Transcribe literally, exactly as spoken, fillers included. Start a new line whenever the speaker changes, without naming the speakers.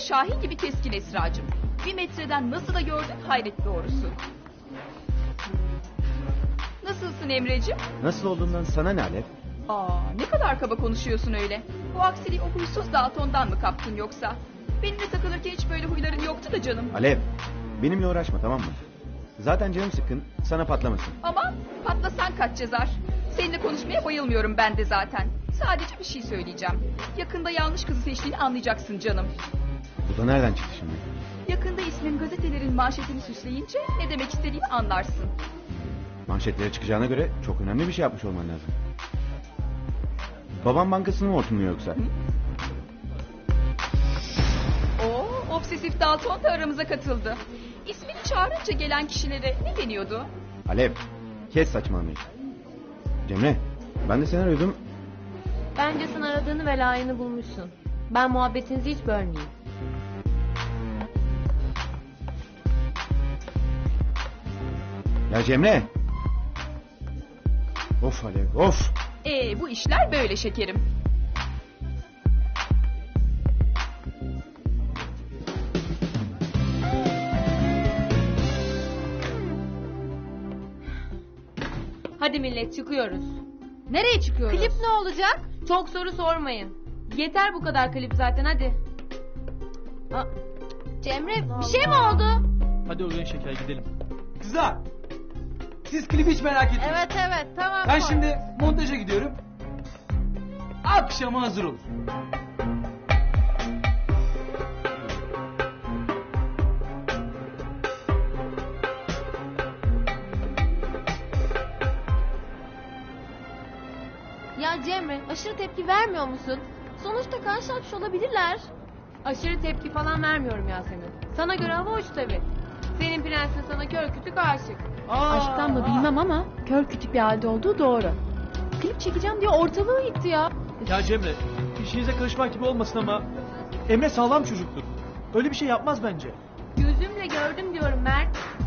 Şahin gibi keskin Esra'cığım. Bir metreden nasıl da gördün, hayret doğrusu. Nasılsın Emre'cim?
Nasıl olduğundan sana ne Alev?
Aa, ne kadar kaba konuşuyorsun öyle. Bu aksiliği o huysuz Dalton'dan mı kaptın yoksa? Benimle takılırken hiç böyle huyların yoktu da canım.
Alev, benimle uğraşma, tamam mı? Zaten canım sıkkın, sana patlamasın.
Ama patlasan kaç cezar. Seninle konuşmaya bayılmıyorum ben de zaten. Sadece bir şey söyleyeceğim. Yakında yanlış kızı seçtiğini anlayacaksın canım.
Bu da nereden çıktı şimdi?
Yakında ismin gazetelerin manşetini süsleyince ne demek istediğini anlarsın.
Manşetlere çıkacağına göre çok önemli bir şey yapmış olman lazım. Babam bankasını mı hortumluyor yoksa?
Oo, obsesif Dalton da aramıza katıldı. İsmini çağırınca gelen kişilere ne deniyordu?
Alev, kes saçmalamayı. Cemre, ben de seni arıyordum.
Bence sen aradığını ve layığını bulmuşsun. Ben muhabbetinizi hiç bölmeyeyim.
Ya Cemre! Of Alev, of!
Ee, bu işler böyle şekerim.
Hadi millet çıkıyoruz.
Nereye çıkıyoruz?
Klip ne olacak? Çok soru sormayın. Yeter bu kadar klip zaten hadi. Aa, Cemre bir şey mi oldu?
Hadi oraya şeker gidelim.
Kızlar, siz klibi hiç merak etmeyin.
Evet evet tamam.
Ben
koy.
şimdi montaja gidiyorum. Akşama hazır olur.
Ya Cemre aşırı tepki vermiyor musun? Sonuçta karşılaşmış olabilirler. Aşırı tepki falan vermiyorum Yasemin. Sana göre hava hoş tabii. Senin prensin sana kör kütük aşık.
Aşktan mı bilmem ama kör kütük bir halde olduğu doğru. Klip çekeceğim diye ortalığı yıktı ya.
Ya Cemre, işinize karışmak gibi olmasın ama Emre sağlam çocuktur. Öyle bir şey yapmaz bence.
Gözümle gördüm diyorum Mert.